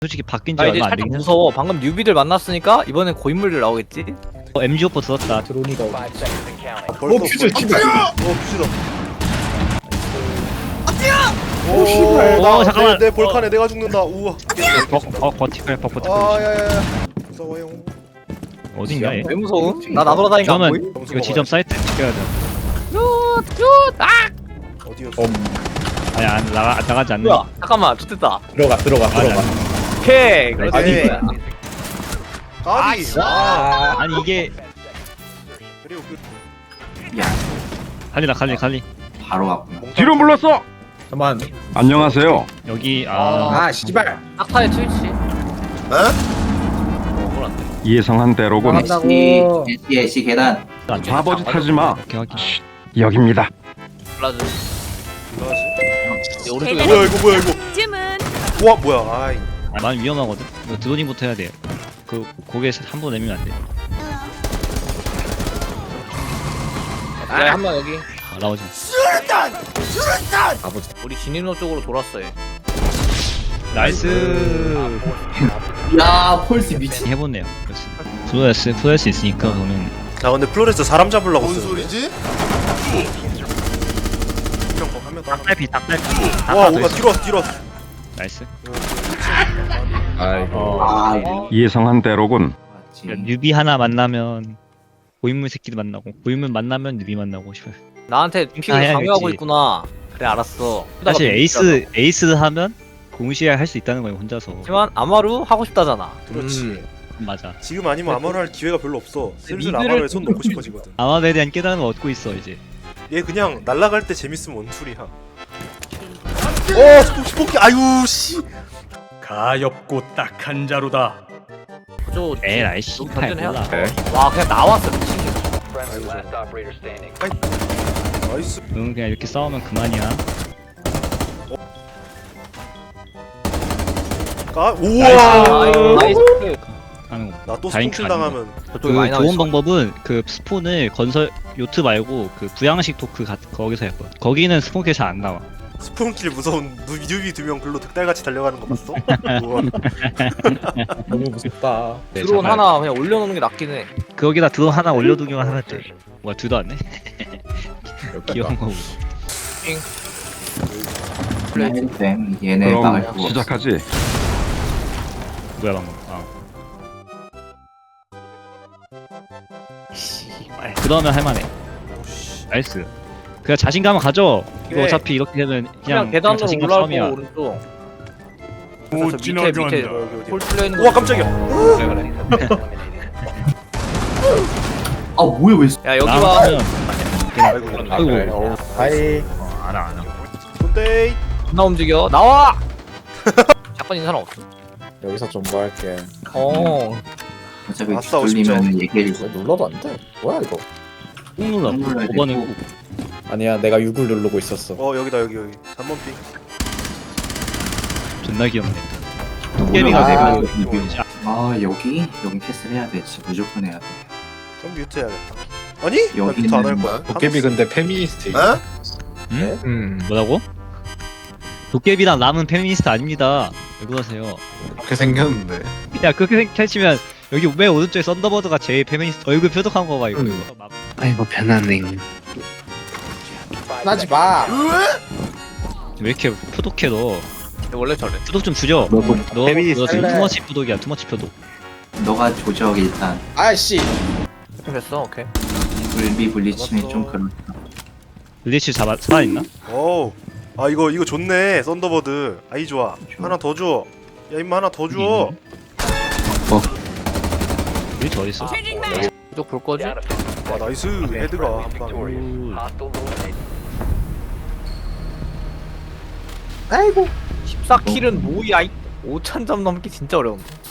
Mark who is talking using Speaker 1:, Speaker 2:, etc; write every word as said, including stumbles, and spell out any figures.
Speaker 1: 솔직히 바뀐 지
Speaker 2: 나 이제
Speaker 1: 얼마 안
Speaker 2: 살짝
Speaker 1: 되긴 했어.
Speaker 2: 무서워. 방금 뉴비들 만났으니까 이번엔 고인물들 나오겠지?
Speaker 1: 어, 엠지 오퍼 들었다.
Speaker 3: 드론이가 오고.
Speaker 4: 벌써
Speaker 3: 어, 퓨즈, 씨발.
Speaker 4: 어 퓨즈다.
Speaker 3: 오, 씨발.
Speaker 1: 오,
Speaker 4: 나,
Speaker 1: 잠깐만.
Speaker 4: 내, 내 볼칸에 내가 죽는다. 우와.
Speaker 1: 버, 버, 버티컬, 버, 버티컬.
Speaker 4: 아 야야야. 무서워요.
Speaker 1: 어딘가 얘?
Speaker 2: 왜 무서움? 나 나돌아다니까 안 보이?
Speaker 1: 그러면
Speaker 4: 점수
Speaker 1: 이거 지점 사이트 지켜야 돼.
Speaker 4: 어디였어?
Speaker 3: 엄.
Speaker 1: 아니, 안, 나가, 나가지 않는.
Speaker 2: 뭐야? 잠깐만, 좋됐다.
Speaker 3: 들어가, 들어가,
Speaker 1: 맞아.
Speaker 3: 들어가.
Speaker 2: 오케이. 그렇지.
Speaker 4: 아니. 까비. 아.
Speaker 1: 아니, 이게.
Speaker 4: 그리고 그
Speaker 1: 갈리다, 갈리, 갈리.
Speaker 5: 바로 왔구나.
Speaker 6: 뒤로 물렀어.
Speaker 3: 잠깐만.
Speaker 6: 안녕하세요.
Speaker 1: 여기, 아.
Speaker 3: 아, 씨발.
Speaker 2: 딱타의 트위치.
Speaker 6: 예상한 대로군.
Speaker 5: 애쉬, 애쉬, 애쉬 계단.
Speaker 1: 안 돼.
Speaker 6: 바보짓 하지 마.
Speaker 1: 오케이, 확인.
Speaker 6: 여기입니다.
Speaker 2: 블라즈.
Speaker 4: 뭐지?
Speaker 2: 오른쪽에
Speaker 4: 뭐야 이거 뭐야 이거?
Speaker 7: 쯤은
Speaker 4: 우와 뭐야? 아이.
Speaker 1: 아, 많이 위험하거든? 이거 드로닝부터 해야 돼. 그, 고개에서 한 번 내밀면 안 돼.
Speaker 2: 야, 한번 여기.
Speaker 1: 아, 나오지.
Speaker 3: 아버지.
Speaker 2: 우리 진입로 쪽으로 돌았어 얘.
Speaker 1: 나이스.
Speaker 5: 야, 폴스 미친.
Speaker 1: 해보네요. 그렇지. 프로레스, 프로레스 있으니까, 그러면.
Speaker 4: 나 근데 플로레스 사람 잡으려고 뭔 소리지? 한명 더.
Speaker 1: 닭달피, 닭달피.
Speaker 4: 와 오가 뒤로 왔어 뒤로 왔어.
Speaker 1: 나이스.
Speaker 3: 아이고.
Speaker 1: 어.
Speaker 5: 아, 이거
Speaker 6: 예상한 대로군.
Speaker 1: 그러니까 뉴비 하나 만나면 고인물 새끼도 만나고 고인물 만나면 뉴비 만나고 싶어요.
Speaker 2: 나한테 픽을
Speaker 1: 해야겠지.
Speaker 2: 강요하고 있구나. 그래 알았어.
Speaker 1: 사실
Speaker 2: 삐딱아,
Speaker 1: 에이스 에이스 하면 동시에 할 수 있다는 거예요 혼자서.
Speaker 2: 하지만 아마루 하고 싶다잖아.
Speaker 4: 그렇지.
Speaker 2: 음.
Speaker 1: 맞아.
Speaker 4: 지금 아니면 아마루 할 기회가 별로 없어. 슬슬
Speaker 2: 미드를-
Speaker 4: 아마루에 손 놓고 싶어지거든.
Speaker 1: 아마에 대한 깨달음을 얻고 있어 이제.
Speaker 4: 얘 그냥 날아갈 때 재밌으면 원툴이야. 어 스포키 스포키 아유 씨.
Speaker 8: 가엾고 딱한 자루다.
Speaker 2: 저
Speaker 1: 에이 아이 씨발
Speaker 2: 던전해야
Speaker 1: 몰라.
Speaker 2: 와 그냥 나왔어 미친.
Speaker 4: 나이스.
Speaker 1: 응 그냥 이렇게 싸우면 그만이야.
Speaker 4: 까
Speaker 2: 나이스.
Speaker 4: 우와.
Speaker 2: 나이스.
Speaker 1: 하는 거.
Speaker 4: 나또
Speaker 1: 다행히
Speaker 4: 스포킬
Speaker 1: 가는
Speaker 4: 당하면
Speaker 2: 저쪽에
Speaker 1: 그
Speaker 2: 많이 나와
Speaker 1: 좋은
Speaker 2: 있어.
Speaker 1: 방법은 그 스폰을 건설 요트 말고 그 부양식 토크 가, 거기서 했거든. 거기는 스폰킬 잘 안 나와.
Speaker 4: 스폰킬 무서운 누- 뉴비 두 명 글로 득달같이 달려가는 거 봤어? 우와.
Speaker 3: 너무 무섭다.
Speaker 1: 네,
Speaker 2: 드론
Speaker 1: 잠깐.
Speaker 2: 하나 그냥 올려놓는 게 낫긴 해.
Speaker 1: 거기다 드론 하나 올려두기만 하면 돼. 뭐야 둘도 안 내? 귀여운 거고.
Speaker 5: 플랫폼 얘네 막을
Speaker 6: 그럼
Speaker 5: 수 없어.
Speaker 6: 시작하지.
Speaker 1: 뭐야 방금. 아. 그러면 할만해. 나이스. 그냥 자신감을 가져. 이거
Speaker 2: 그래.
Speaker 1: 어차피 이렇게 되면
Speaker 2: 그냥,
Speaker 1: 그냥,
Speaker 2: 계단으로
Speaker 1: 자신감
Speaker 2: 올라올
Speaker 1: 싸움이야.
Speaker 2: 거고 오른쪽.
Speaker 8: 못
Speaker 2: 밑에 밑에
Speaker 8: 지나간다.
Speaker 4: 여기 어디?
Speaker 2: 홀 뚫려 있는 거.
Speaker 4: 우와 깜짝이야.
Speaker 2: 그래 그래.
Speaker 5: 아, 뭐야, 왜.
Speaker 2: 야 여기 봐.
Speaker 1: 나오면
Speaker 4: 아이고.
Speaker 1: 아이고.
Speaker 3: 그래. 어, 하이.
Speaker 1: 알아 알아.
Speaker 4: 손데이.
Speaker 2: 나 움직여. 나와. 잠깐 사람 없어.
Speaker 3: 여기서 좀 뭐 할게.
Speaker 2: 어.
Speaker 5: 어차피
Speaker 4: 아싸,
Speaker 5: 돌리면 얘기해주고.
Speaker 3: 이거 눌러도 안 돼. 뭐야, 이거?
Speaker 1: 꾹 눌러.
Speaker 5: 눌러야
Speaker 1: 오 번에
Speaker 5: 되고.
Speaker 1: 꾹.
Speaker 3: 아니야, 내가 육을 누르고 있었어.
Speaker 4: 어 여기다 여기 여기. 삼 번 핑.
Speaker 1: 존나 귀엽네.
Speaker 5: 아,
Speaker 1: 도깨비가
Speaker 5: 아,
Speaker 1: 되고 자,
Speaker 5: 아, 여기? 여기 패스를 해야 돼. 진짜 무조건 해야 돼.
Speaker 4: 그럼 뮤트 해야겠다. 아니? 나
Speaker 5: 여기는
Speaker 4: 뮤트 안 할 거야.
Speaker 3: 도깨비 근데 페미니스트.
Speaker 4: 어?
Speaker 1: 응?
Speaker 3: 음.
Speaker 1: 뭐라고? 도깨비랑 남은 페미니스트 아닙니다. 왜 그러세요?
Speaker 3: 그렇게 생겼는데.
Speaker 1: 야 그렇게 펼치면 여기 맨 오른쪽에 썬더버드가 제일 페미니스트 얼굴 표독한 거 봐 이거.
Speaker 3: 음.
Speaker 9: 아이고 변하네.
Speaker 3: 하지 마.
Speaker 1: 왜 이렇게 표독해 너?
Speaker 2: 원래 저래.
Speaker 1: 표독 좀 줄여.
Speaker 5: 너도
Speaker 1: 너,
Speaker 3: 페미니스트
Speaker 1: 너 지금
Speaker 3: 할래.
Speaker 1: 투머치 표독이야 투머치 표독.
Speaker 5: 너가 조적 일단.
Speaker 3: 아이씨.
Speaker 2: 됐어. 오케이.
Speaker 5: 불비 불리치면 좀 그렇다.
Speaker 1: 블리치 잡아 살아있나?
Speaker 4: 오. 아 이거 이거 좋네. 썬더버드. 아이 좋아. 하나 더 줘. 야 임마 하나 더 줘.
Speaker 1: 블리치 어딨어?
Speaker 2: 이쪽 볼 거지?
Speaker 4: 와 나이스. 헤드가 한 방.
Speaker 3: 아이고.
Speaker 2: 십사 킬은 뭐야? 오천 점 넘기 진짜 어려운데.